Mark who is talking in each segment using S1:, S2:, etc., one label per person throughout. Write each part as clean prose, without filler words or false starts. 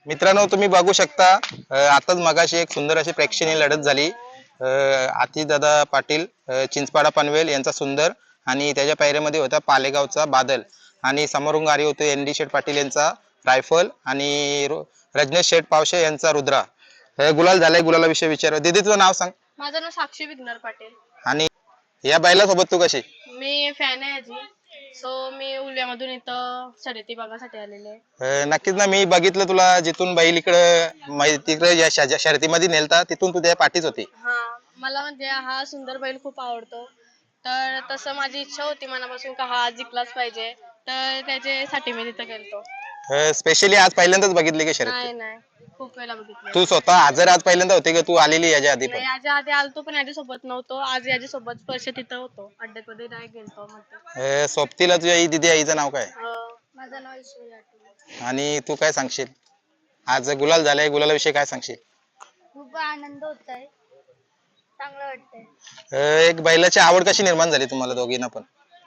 S1: मित्रांनो, तुम्ही बघू शकता आताच मगाशी एक सुंदर अशी प्रेक्षणीय लढत झाली. आतिशदादा पाटील चिंचपाडा पनवेल यांचा सुंदर आणि त्याच्या पायऱ्यामध्ये होता पालेगावचा बादल आणि समोरून गाडी होते एन डी शेठ पाटील यांचा रायफल आणि रजनीश शेठ पावशे यांचा रुद्रा. गुलाल झालाय. गुलालाविषयी विचार. दीदी तुझं नाव सांग.
S2: माझं नाव साक्षी विघ्नर पाटील.
S1: आणि या बैलासोबत तू कशी?
S2: मी फॅन आहे याची. सो मी उल्ह्यामधून इथं शर्यती बघायसाठी आलेले आहे.
S1: नक्कीच ना, मी बघितलं तुला जिथून बैल तिकडे या शर्यतीमध्ये नेलता तिथून तू त्या पाठीच होती.
S2: हा, मला म्हणजे हा सुंदर बैल खूप आवडतो. तर तसं माझी इच्छा होती मनापासून का हा जिंकलाच पाहिजे. तर त्याच्यासाठी मी तिथं गेलतो.
S1: स्पेशली आज पहिल्यांदाच बघितली की शर्यत?
S2: नाही नाही, खूप वेळा बघितलं.
S1: तू स्वतः हजर आज पहिल्यांदा होते की तू आलेली याच्या आधी पण?
S2: नाही, याच्या आधी आलतो पण याच्या सोबत नव्हतो. आज याच्या सोबत स्पर्श तिथं होतो. अड्ड्यामध्ये नाही गेलतो म्हणतो.
S1: सोबतीला तुझ्या आई दिदी आईचं नाव काय?
S2: माझं नाव ईश्वरी आठवले.
S1: आणि तू काय सांगशील? आज गुलाल झालाय, गुलालाविषयी काय सांगशील?
S2: खूप आनंद होत आहे, चांगलं वाटतंय.
S1: एक बैलाची आवड कशी निर्माण झाली तुम्हाला दोघींना पण?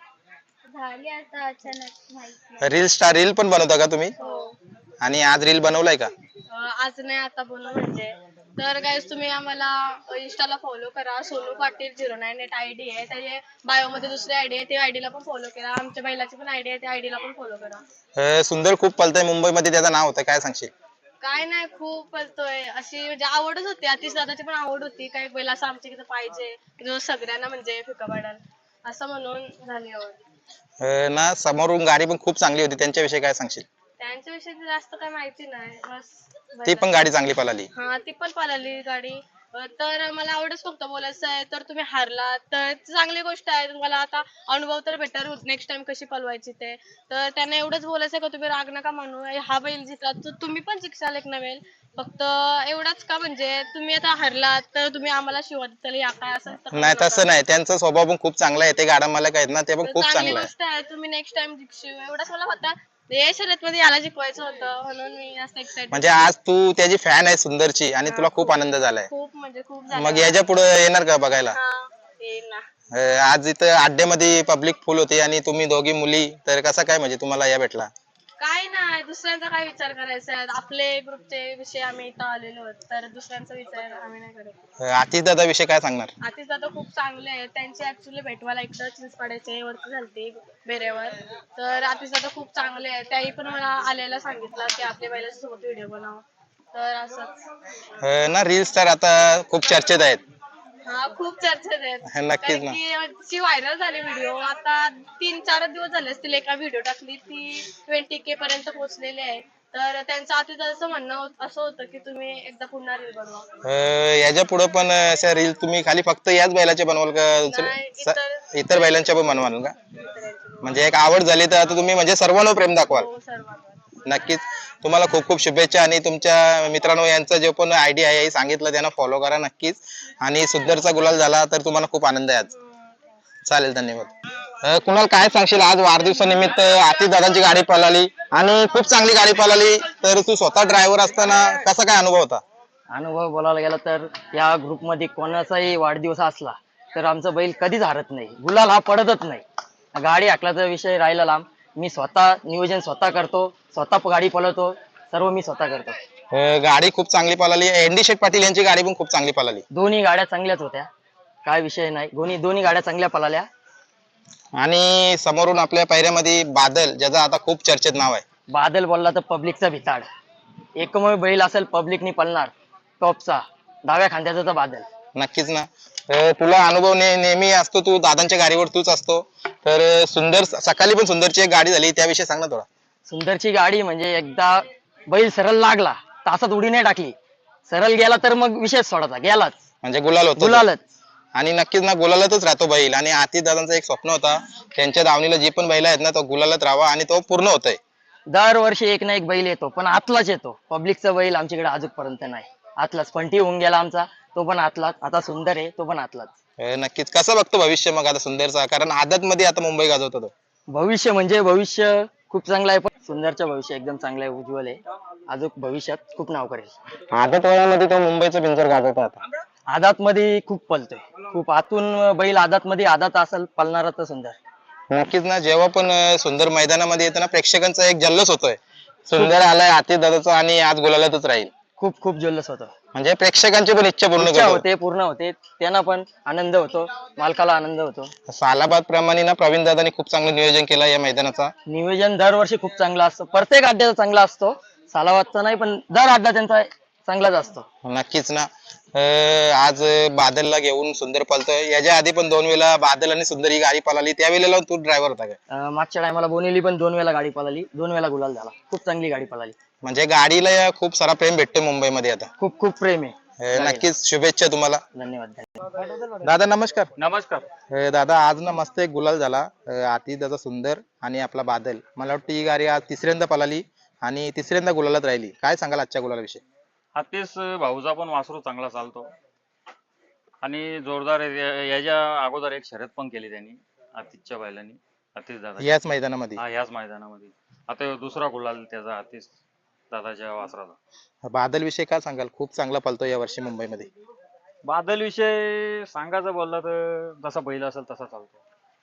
S2: झाली आता अचानक, माहित
S1: रील पण बनवता का तुम्ही?
S2: हो.
S1: आणि आज रील बनवलाय का?
S2: आज नाही, आता बनव म्हणजे. तर गाईज तुम्ही आम्हाला इंस्टाला फॉलो करा. सोनू पाटील 09 आयडी आहे. त्याच्या बायो मध्ये दुसरी आयडी आहे, त्या आयडीला पण फॉलो करा. आमच्या बैलाची पण आयडी आहे, त्या आयडीला पण फॉलो करा.
S1: सुंदर खूप पलतय मुंबईमध्ये, त्याचं नाव होतं, काय सांगशील?
S2: काय नाही, खूप पळतोय. अशी म्हणजे आवडच होती. आतिश दादाची पण आवड होती. काही बैल असं आमच्या इथं पाहिजे जो सगळ्यांना म्हणजे फिका पाडाल असं म्हणून झाली आवड.
S1: ना, समोरून गाडी पण खूप चांगली होती, त्यांच्याविषयी काय सांगशील?
S2: त्यांच्याविषयी जास्त काही माहिती नाही, बस.
S1: ती पण गाडी चांगली पळाली.
S2: हा, ती पण पळाली गाडी. तर मला आवडच फक्त बोलायचं आहे. तर तुम्ही हारला तर चांगली गोष्ट आहे. तुम्हाला आता अनुभव तर भेटणार नेक्स्ट टाइम कशी पळवायची ते. तर त्यांना एवढंच बोलायचं का तुम्ही राग नका म्हणू. हा बैल जिंकला तर तुम्ही पण जिंकसाल एक नवेल. फक्त एवढंच का म्हणजे तुम्ही आता हारलात तर तुम्ही आम्हाला शिवा देताल या काय असं
S1: नाही, तसं नाही. त्यांचा स्वभाव पण खूप चांगला आहे. ते गाडा मालक आहेत ना, ते पण खूप
S2: चांगली
S1: चांगलं आहे.
S2: गोष्ट आहे. तुम्ही नेक्स्ट टाइम जिंकशील एवढंच मला होता. हे शर्यत मध्ये याला जिंकवायचं होतं म्हणून मी जास्त एक्साइटेड.
S1: म्हणजे आज तू त्याची फॅन आहे सुंदरची आणि तुला खूप आनंद झालाय.
S2: खूप म्हणजे खूप झालं.
S1: मग याच्या पुढे येणार का बघायला?
S2: हा, येईल ना.
S1: आज इथं अड्ड्यामध्ये पब्लिक फुल होती आणि तुम्ही दोघी मुली, तर कसा काय म्हणजे तुम्हाला या भेटला?
S2: काय नाही, दुसऱ्यांचा काय विचार करायचा आहे. आपले ग्रुपचे विषय आम्ही इथं आलेलो आहोत, तर दुसऱ्यांचा विचार आम्ही नाही करत.
S1: आतिश दादा विषय काय सांगणार?
S2: आतिश दादा खूप चांगले आहेत. त्यांची ऍक्च्युली भेटवायला इकडं चिंचपाड्याचे वरती झालती बेऱ्यावर. तर आतिश दादा खूप चांगले आहेत. त्याही पण मला आलेला सांगितलं की आपल्या बैलाच्या सोबत व्हिडिओ बनव. तर असंच
S1: ना, रील स्टार आता खूप चर्चेत आहेत.
S2: हा, खूप चर्चेत आहेत.
S1: नक्कीच
S2: कारण
S1: ना.
S2: की ती व्हायरल झाली व्हिडिओ. आता 3-4 दिवस झाले असतील. एका व्हिडिओ टाकली ती 20K पर्यंत पोहोचलेली आहे. तर त्यांचं असं म्हणणं असं होतं की तुम्ही एकदा पुन्हा रील बनवा.
S1: याच्या पुढे पण अशा रील तुम्ही खाली फक्त याच बैलाचे बनवाल का
S2: नाही,
S1: इतर बैलांच्या पण बनवाल का?
S2: इतरांची
S1: म्हणजे एक आवड झाली तर आता तुम्ही म्हणजे सर्वांना प्रेम दाखवाल.
S2: हो, सर्वांवर.
S1: नक्कीच. तुम्हाला खूप खूप शुभेच्छा. आणि तुमच्या मित्रांनो यांचा जो पण आयडी आहे सांगितलं त्यांना फॉलो करा नक्कीच. आणि सुंदरचा गुलाल झाला तर तुम्हाला खूप आनंद आहे आज. चालेल, धन्यवाद. कुणाल, काय सांगशील? आज वाढदिवसानिमित्त आतिश दादांची गाडी पळाली आणि खूप चांगली गाडी पळाली. तर तू स्वतः ड्रायव्हर असताना कसा काय अनुभव होता?
S3: अनुभव बोलायला गेला तर या ग्रुपमध्ये कोणाचाही वाढदिवस असला तर आमचा बैल कधीच हारत नाही. गुलाल हा पडतच नाही. गाडी हाकलाचा विषय राहिला लांब. मी स्वतः नियोजन स्वतः करतो, स्वतः गाडी पळवतो, सर्व मी स्वतः करतो.
S1: गाडी खूप चांगली पळाली. एन डी शेठ पाटील यांची गाडी पण खूप चांगली पळाली.
S3: दोन्ही गाड्या चांगल्याच होत्या, काय विषय नाही. दोन्ही गाड्या चांगल्या पळाल्या.
S1: आणि समोरून आपल्या पायऱ्यामध्ये बादल, ज्याचं आता खूप चर्चेत नाव आहे.
S3: बादल बोलला तर पब्लिकचा भिताड. एकमेव बैल असेल पब्लिकनी पळणार टॉपचा, डाव्या खांद्याचा तर बादल.
S1: नक्कीच ना. तुला अनुभव नेहमी असतो, तू दादांच्या गाडीवर तूच असतो. तर सुंदर सकाळी पण सुंदरची एक गाडी झाली, त्याविषयी सांग ना थोडा.
S3: सुंदरची गाडी म्हणजे एकदा बैल सरळ लागला, तासात उडी नाही टाकली, सरळ गेला तर मग विषय सोडायचा, गेलाच
S1: म्हणजे गुलाल होतो.
S3: गुलालच.
S1: आणि नक्कीच ना, गुलालातच राहतो बैल. आणि आतिश दादांचं एक स्वप्न होता, त्यांच्या दावणीला जे पण बैल आहेत ना, तो गुलालात राहावा आणि तो पूर्ण होतोय.
S3: दरवर्षी एक ना एक बैल येतो, पण आतलाच येतो. पब्लिकचा बैल आमच्याकडे अजूनपर्यंत नाही. आतलाच पंटी होऊन गेला आमचा, तो पण आतलाच. आता सुंदर आहे, तो पण आतलाच.
S1: नक्कीच. कसं बघतो भविष्य मग आता सुंदरचा? कारण आदत मध्ये आता मुंबई गाजवतो तो.
S3: भविष्य म्हणजे भविष्य खूप चांगलं आहे, पण सुंदरचं भविष्य एकदम चांगलं आहे, उज्ज्वल आहे. अजून भविष्यात खूप नाव करेल.
S1: आदत वयामध्ये तो मुंबईचं पिंजर गाजवतो आता.
S3: आदात मध्ये खूप पलतोय, खूप आतून बैल आदात मध्ये आदात असेल पलणारा तर सुंदर.
S1: नक्कीच ना. जेव्हा पण सुंदर मैदानामध्ये येतो ना, प्रेक्षकांचा एक जल्लोष होतोय. सुंदर आलाय आतिश दादाचा आणि आज गुलालातच राहील.
S3: खूप खूप जल्लोष होतो.
S1: म्हणजे प्रेक्षकांची पण इच्छा पूर्ण
S3: इच्छा
S1: करतो.
S3: होते, पूर्ण होते, त्यांना पण आनंद होतो, मालकाला आनंद होतो.
S1: सालाबाद प्रमाणे ना प्रवीण दादांनी खूप चांगलं नियोजन केलं या मैदानाचा.
S3: नियोजन दरवर्षी खूप चांगलं असतं, प्रत्येक अड्ड्याचा चांगला असतो, सालावादचा नाही पण दर अड्डा त्यांचा चांगलाच असतो.
S1: नक्कीच ना. आज बादलला घेऊन सुंदर पळतोय. याच्या आधी पण 2 वेळा बादल आणि सुंदर ही गाडी पळाली, त्यावेळेला तू ड्रायव्हर होता का?
S3: मागच्या टायमाला बोनेली पण 2 वेळा गाडी पळाली, 2 वेळा गुलाल झाला, खूप चांगली गाडी पळाली.
S1: म्हणजे गाडीला खूप सारा प्रेम भेटतो मुंबईमध्ये आता.
S3: खूप खूप प्रेम आहे.
S1: नक्कीच शुभेच्छा तुम्हाला.
S3: धन्यवाद.
S1: दादा नमस्कार.
S4: नमस्कार.
S1: दादा आज ना मस्त एक गुलाल झाला. आतिश दादा सुंदर आणि आपला बादल. मला वाटतं ही गाडी आज तिसऱ्यांदा पळाली आणि तिसऱ्यांदा गुलालात राहिली. काय सांगाल आजच्या गुलालाविषयी?
S4: आतिश भाऊचा पण वासरू चांगला चालतो आणि जोरदार आहे. याच्या अगोदर एक शर्यत पण केली त्यांनी आतिशच्या बैलांनी, आतिश दादा
S1: याच मैदानामध्ये
S4: हा याच मैदानामध्ये. आता ह्यो दुसरा गुलाल त्याचा आतिश दादाच्या वासराचा.
S1: बादल विषयी काय सांगाल? खूप चांगला पळतो या वर्षी मुंबईमध्ये.
S4: बादल विषय सांगायचं बोललं तर जसा बैल असेल तसा चालतो.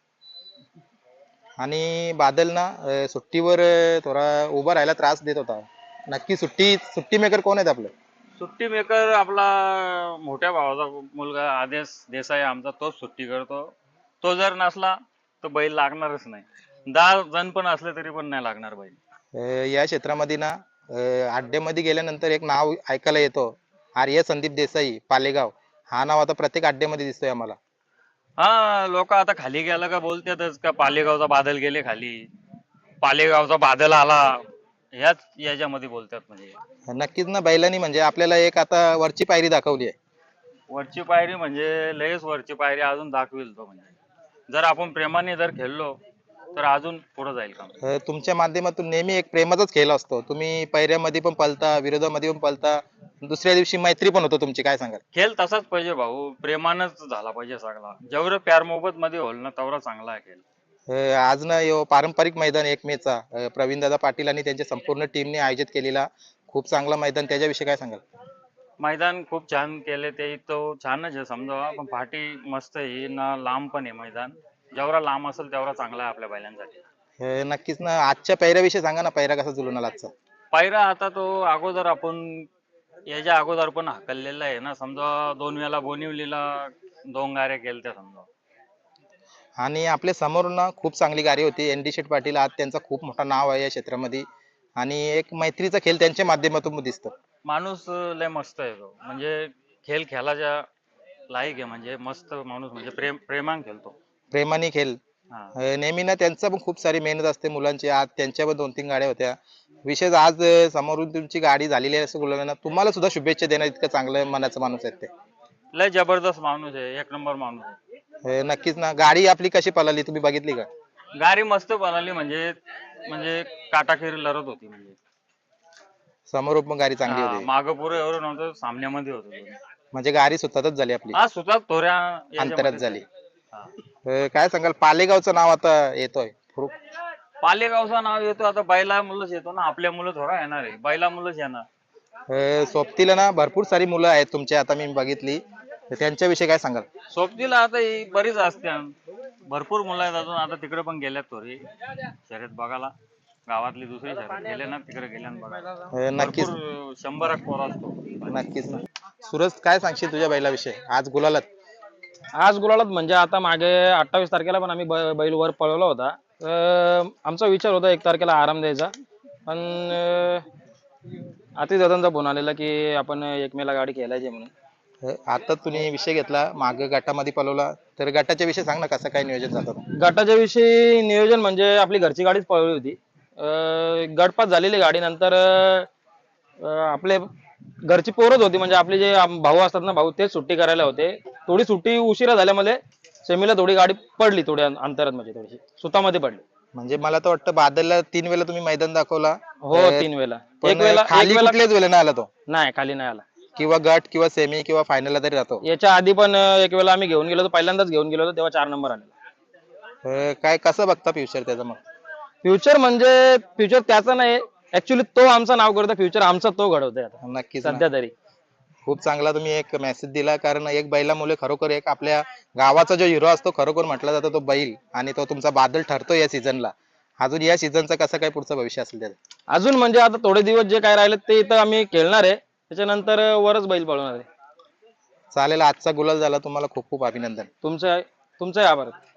S1: आणि बादल ना सुट्टीवर थोडा उभा राहायला त्रास देत होता. नक्की सुट्टी मेकर कोण आहेत आपलं?
S4: सुट्टी मेकर आपला मोठ्या भावाचा मुलगा आदेश देसाई आमचा, तोच सुट्टी करतो. तो जर नसला तर बैल लागणारच नाही. 10 जण पण असले तरी पण नाही लागणार बैल.
S1: या क्षेत्रामध्ये ना अड्ड्यामध्ये गेल्यानंतर एक नाव ऐकायला येतो, आर्य संदीप देसाई पालेगाव. हा नाव आता प्रत्येक अड्ड्यामध्ये दिसतोय आम्हाला.
S4: हा, लोक आता खाली गेलं का बोलतातच का पालेगावचा बादल गेले खाली, पालेगावचा बादल आला, ह्याच याच्यामध्ये बोलतात. म्हणजे
S1: नक्कीच ना, बैलांनी म्हणजे आपल्याला एक आता वरची पायरी दाखवली आहे.
S4: वरची पायरी म्हणजे लयच वरची पायरी अजून दाखवेल तो. म्हणजे जर आपण प्रेमाने जर खेळलो तर अजून पुढे जाईल काम.
S1: तुमच्या माध्यमातून नेहमी एक प्रेमाचाच खेळ असतो. तुम्ही पायऱ्यामध्ये पण पळता, विरोधामध्ये पण पळता, दुसऱ्या दिवशी मैत्री पण होतो तुमची. काय सांगाल?
S4: खेळ तसाच पाहिजे भाऊ, प्रेमानच झाला पाहिजे सगळा. जेवढं प्यार मोहब्बत मध्ये होईल ना तेवढा चांगला आहे खेळ.
S1: आज ना यो पारंपरिक मैदान 1 मेचा प्रवीण दादा पाटील आणि त्यांच्या संपूर्ण टीमने आयोजित केलेला खूप चांगला मैदान, त्याच्याविषयी काय सांगाल?
S4: मैदान खूप छान केले ते, तो छानच आहे समजा, पण पाठी मस्त आहे ना, लांब पण आहे मैदान. जेवढा लांब असेल तेवढा चांगला आहे आपल्या बैलांसाठी.
S1: नक्कीच ना. आजच्या पैऱ्याविषयी सांगा ना, पैरा कसा जुळून आला आजचा?
S4: पायरा आता तो अगोदर आपण याच्या अगोदर पण हाकललेला आहे ना समजा. 2 वेळा बोनिवलीला 2 गाड्या केल्या समजा.
S1: आणि आपल्या समोर ना खूप चांगली गाडी होती ND शेठ पाटील. आज त्यांचा खूप मोठा नाव आहे या क्षेत्रामध्ये आणि एक मैत्रीचा खेळ त्यांच्या माध्यमातून दिसतो.
S4: माणूस लय मस्त आहे तो, म्हणजे खेळ खेळाच्या लायक आहे. म्हणजे मस्त माणूस, म्हणजे प्रेमान खेळतो.
S1: प्रेमाने खेळ.
S4: हा,
S1: नेहमी ना त्यांचा पण खूप सारी मेहनत असते मुलांची. आज त्यांच्या पण 2-3 गाड्या होत्या. विशेष आज समोरून तुमची गाडी झालेली आहे असं बोललं ना, तुम्हाला सुद्धा शुभेच्छा देणार इतकं चांगलं मनाचा माणूस आहे ते.
S4: लय जबरदस्त माणूस आहे, 1 नंबर माणूस आहे.
S1: नक्कीच ना. गाडी आपली कशी पळाली तुम्ही बघितली का?
S4: गाडी मस्त बनवली, म्हणजे म्हणजे काटाखेर लढत होती. म्हणजे
S1: समोर पण गाडी चांगली होती.
S4: मागं पुढे एवढं नव्हतं, सामन्यामध्ये होतो.
S1: म्हणजे गाडी सुतातच झाली आपली,
S4: हा, सुद्धा थोड्या
S1: अंतरात
S4: याच्यामध्ये
S1: झाली.
S4: हा.
S1: काय सांगाल? पालेगावचं नाव आता येतोय खूप.
S4: पालेगावचं नाव येतो आता, बैला मुलंच येतो ना, आपल्या मुलं थोडा येणार आहे, बैला मुलंच येणार.
S1: सोबतीला ना भरपूर सारी मुलं आहेत तुमच्या, आता मी बघितली. तर त्यांच्याविषयी काय सांगाल?
S4: सोबतीला आता ही बरीच असते, भरपूर मुलं आहेत अजून. आता तिकडे पण गेल्यात थोडी शर्यत बघायला. गावातली दुसरी शर्यत गेले ना, तिकडे गेल्या बघायला.
S1: नक्कीच.
S4: भरपूर 100 पोर असतो.
S1: नक्कीच ना. सूरज काय सांगशील तुझ्या बैलाविषयी? आज गुलालात.
S5: आज गुलालात म्हणजे आता मागे 28 तारखेला पण आम्ही बैल वर पळवला होता. आमचा विचार होता 1 तारखेला आराम द्यायचा, पण आतिश दादांचा फोन आलेला की आपण 1 मेला गाडी खेळायची म्हणून.
S1: आता तुम्ही विषय घेतला, मागे गटामध्ये पळवला, तर गटाच्या विषयी सांग ना, कसं काय नियोजन जातं?
S5: गटाच्या विषयी नियोजन म्हणजे आपली घरची गाडीच पळवली होती. गटपास झालेली गाडी नंतर आपले घरची पोरच होती, म्हणजे आपले जे भाऊ असतात ना, भाऊ तेच सुट्टी करायला होते. थोडी सुट्टी उशिरा झाल्यामुळे सेमीला थोडी गाडी पडली, थोड्या अंतरात, म्हणजे थोडीशी सुतामध्ये पडली.
S1: म्हणजे मला तर वाटतं बादलला 3 वेळा तुम्ही मैदान दाखवला.
S5: हो, 3 वेळा.
S1: एक वेळा खाली कुठल्याच वेळेला नाही आला तो,
S5: नाही, खाली नाही आला.
S1: किंवा गट किंवा सेमी किंवा फायनलला तरी राहतो.
S5: याच्या आधी पण 1 वेळा आम्ही घेऊन गेलो होतो, पहिल्यांदाच घेऊन गेलो होतो, तेव्हा 4 नंबर आलेला.
S1: काय कसं बघता फ्युचर त्याचं मग?
S5: फ्युचर म्हणजे फ्युचर त्याचा नाही, ऍक्च्युली तो आमचं नाव करतो, फ्युचर आमचा तो घडवतोय आता
S1: नक्कीच ना.
S5: सध्या तरी.
S1: खूप चांगला तुम्ही एक मेसेज दिला, कारण एक बैलामुळे खरोखर एक आपल्या गावाचा जो हिरो असतो खरोखर म्हटला जातो तो बैल, आणि तो तुमचा बादल ठरतो या सीझनला. अजून या सीझनचा कसं काय पुढचं भविष्य असेल त्याचं?
S5: अजून म्हणजे आता थोडे दिवस जे काय राहिले ते इथं आम्ही खेळणार आहे, त्याच्यानंतर वरच बैल पळवणार आहे.
S1: चालेल, आजचा गुलाल झाला, तुम्हाला खूप खूप अभिनंदन.
S5: तुमचं तुमचंही आभार.